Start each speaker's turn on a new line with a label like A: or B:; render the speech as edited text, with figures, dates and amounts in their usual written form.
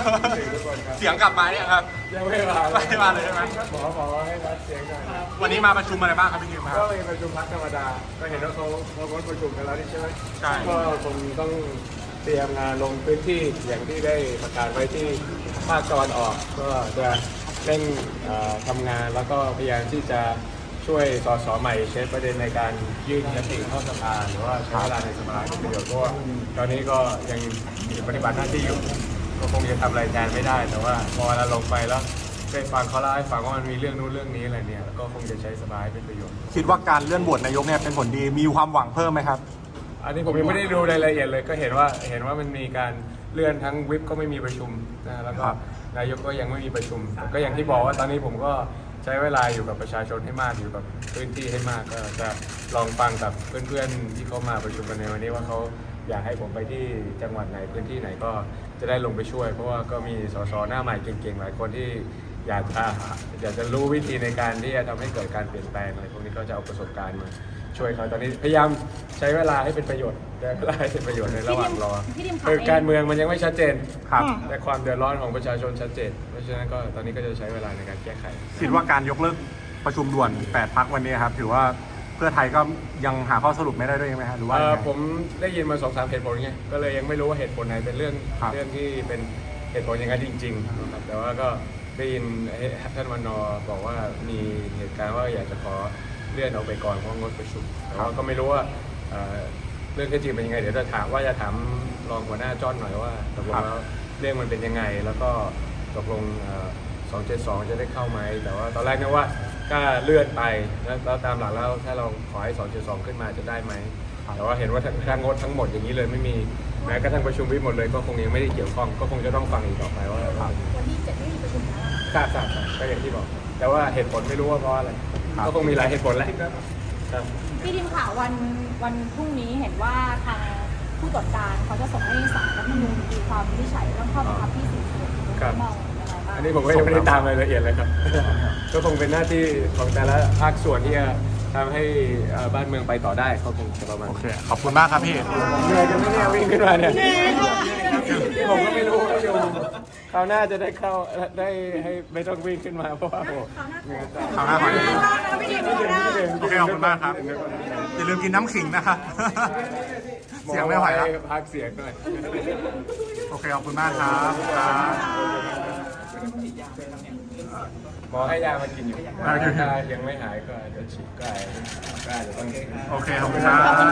A: เสียงกลับมาเนี่ยครับ
B: ยังไม่มา
A: เลยใช่ไหม
B: หมอให้วัดเสียงหน่อย
A: วันนี้มาประชุมอะไรบ้างครับพี่คิมค
B: ก็
A: รับ
B: มีประชุมพักธรรมดาก็เห็นว่าเขาประชุมกันแล้วนี่ใช่ไหม
A: ใช่
B: ก็คงต้องเตรียมงานลงพื้นที่อย่างที่ได้ประกาศไว้ที่ภาคตะวันออกก็จะเร่งทำงานแล้วก็พยายามที่จะช่วยสสใหม่ใช้ประเด็นในการยื่นยติเข้าสภาหรือว่าใช้เวลาในสภาเป็นประโยชน์เพราะว่าตอนนี้ก็ยังปฏิบัติหน้าที่อยู่ก็คงจะทำอะไรแทนไม่ได้แต่ว่าพอเราลงไปแล้วได้ฟังเขาเล่าให้ฟังว่ามันมีเรื่องนู้นเรื่องนี้อะไรเนี่ยก็คงจะใช้สบายเป็นประโยชน์
A: คิดว่าการเลื่อนโหวตนายกเนี่ยเป็นผลดีมีความหวังเพิ่มไหมครับ
B: อันนี้ผมยังไม่ได้ดูรายละเอียดเลยก็เห็นว่ามันมีการเลื่อนทั้งวิปก็ไม่มีประชุมนะแล้วก็นายกก็ยังไม่มีประชุมก็อย่างที่บอกว่าตอนนี้ผมก็ใช้เวลาอยู่กับประชาชนให้มากอยู่กับพื้นที่ให้มากก็จะลองฟังกับเพื่อนๆที่เขามาประชุมกันในวันนี้ว่าเขาอยากให้ผมไปที่จังหวัดไหนพื้นที่ไหนก็จะได้ลงไปช่วย เพราะว่าก็มีสสหน้าใหม่เก่งๆหลายคนที่อยากจะรู้วิธีในการที่จะทำให้เกิดการเปลี่ยนแปลงอะไรพวกนี้ก็จะเอาประสบการณ์มาช่วยเขาตอนนี้พยายามใช้เวลาให้เป็นประโยชน์แต่เวลาให้เป็นประโยชน์ในระหว่างรอคือการเมืองมันยังไม่ชัดเจน
A: ครับ
B: แต่ความเดือดร้อนของประชาชนชัดเจนเพราะฉะนั้นก็ตอนนี้ก็จะใช้เวลาในการแก้ไข
A: คิดว่าการยกเลิกประชุมด่วน8พรรควันนี้ครับถือว่าเพื่อไทยก็ยังหาข้อสรุปไม่ได้ด้วยไหมครับหรือว่ายังไง
B: ผมได้ยินมา2-3เหตุผลไงก็เลยยังไม่รู้ว่าเหตุผลไหนเป็นเรื่องที่เป็นเหตุผลอย่างนั้นจริงๆนะครับแต่ว่าก็ได้ยินท่านวันนอบอกว่ามีเหตุการณ์ว่าอยากจะขอเลื่อนออกไปก่อนเพราะงดประชุมแต่ว่าก็ไม่รู้ว่าเรื่องที่จริงเป็นยังไงเดี๋ยวจะถามรองหัวหน้าจ้อนหน่อยว่าตกลงแล้วเรื่องมันเป็นยังไงแล้วก็ตกลง272จะได้เข้าไหมแต่ว่าตอนแรกนึกว่าก็เลื่อนไปแล้วตามหลักแล้วถ้าเราขอให้272ขึ้นมาจะได้ไหมแต่ว่าเห็นว่าถ้างดทั้งหมดอย่างนี้เลยไม่มีแม้กระทั่งประชุมวิปหมดเลยก็คงยังไม่ได้เกี่ยวข้องก็คงจะต้องฟังอีกต่อไปว่า
C: วันที่7ไม่มีประชุมแล้ว
B: ทราบก็อย่างที่บอกแต่ว่าเหตุผลไม่รู้ว่าเพราะอะไรก็คงมีหลายเหตุผลแหละครับ
C: พี่ดิมข่าววันพรุ่งนี้เห็นว่าทางผู้ตรวจการเขาจะส่งให้ศาลรัฐธรรมนูญมีความวินิจฉัยเรื่องข้อบังคับที่41มองยังไงบ้าง
B: อันนี้ผมก็ยังไม่ได้ตามรายละเอียดเลยครับก็คงเป็นหน้าที่ของแต่ละภาคส่วนที่จะทำให้บ้านเมืองไปต่อได้เขาคงจะประมาณ
A: โอเคขอบคุณมากครับพี่
B: เหนื่อยกันไหมเนี่ยวิ่งขึ้นมาเนี่ยผมก็ไม่รู้ว่าอยู่คราวหน้าจะได้เข้าได้ให้ไม่ต้องวิ่งขึ้นมาเพราะว่าโอ้เหนื่อยจัง
A: ขอบคุณมากโอเคขอบคุณมากครับอย่าลืมกินน้ำขิงนะครับ เสียงไม่ไหวแล้ว
B: พักเสียงหน่อย
A: โอเคขอบคุณมากครับ
B: หมอให้ยามากินอยู่ถ้ายังไม่หายก็อาจจะฉีดก็อาจจะต้อง
A: โอเคขอบคุณครับ